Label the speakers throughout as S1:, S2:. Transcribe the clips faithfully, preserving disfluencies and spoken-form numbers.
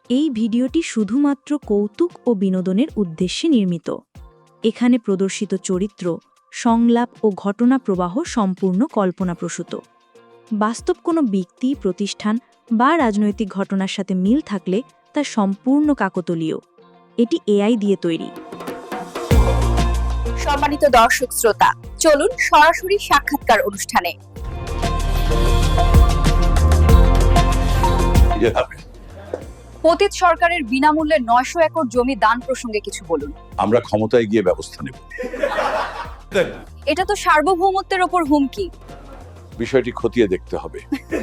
S1: এই ভিডিওটি শুধুমাত্র কৌতুক ও বিনোদনের উদ্দেশ্যে নির্মিত। এখানে প্রদর্শিত চরিত্র, সংলাপ ও ঘটনা প্রবাহ সম্পূর্ণ কল্পনাপ্রসূত। বাস্তব কোনো ব্যক্তি, প্রতিষ্ঠান বা রাজনৈতিক ঘটনার সাথে মিল থাকলে তা সম্পূর্ণ কাকতালীয়। এটি এআই দিয়ে তৈরি।
S2: সম্মানিত দর্শক শ্রোতা, চলুন সরাসরি সাক্ষাৎকার অনুষ্ঠানে। পতিত সরকারের বিনামূল্যে নয়শো একর জমি দান প্রসঙ্গে কিছু বলুন।
S3: আমরা ক্ষমতায় গিয়ে ব্যবস্থা নেব।
S2: এটা তো সার্বভৌমত্বের ওপর হুমকি।
S3: বিষয়টি খতিয়ে দেখতে হবে।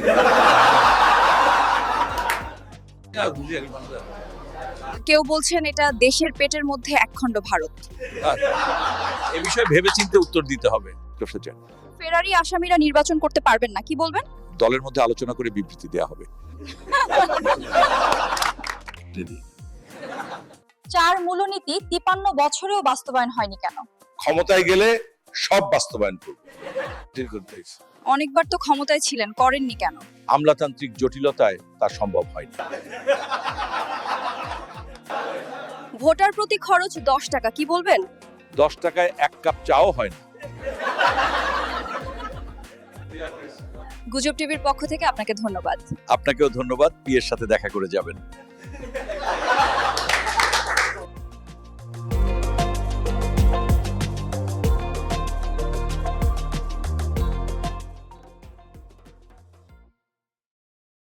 S2: কেউ বলছেন এটা দেশের পেটের মধ্যে একখণ্ড ভারত।
S3: এ বিষয়ে ভেবেচিন্তে উত্তর দিতে হবে।
S2: ফেরারি আসামিরা নির্বাচন করতে পারবেন না, কি বলবেন?
S3: দলের মধ্যে আলোচনা করে বিবৃতি দেওয়া হবে।
S2: চার মূলনীতি তিপান্ন বছরেও বাস্তবায়ন হয়নি কেন?
S3: ক্ষমতায় গেলে সব বাস্তবায়ন করব।
S2: অনেকবার তো ক্ষমতায় ছিলেন, করেননি কেন?
S3: আমলাতান্ত্রিক জটিলতায় তা সম্ভব হয়নি।
S2: ভোটার প্রতি খরচ দশ টাকা, কি বলবেন?
S3: দশ টাকায় এক কাপ চাও হয় না।
S2: গুজব টিভির পক্ষ থেকে আপনাকে ধন্যবাদ।
S3: আপনাকেও ধন্যবাদ। পিয়ের সাথে দেখা করে যাবেন।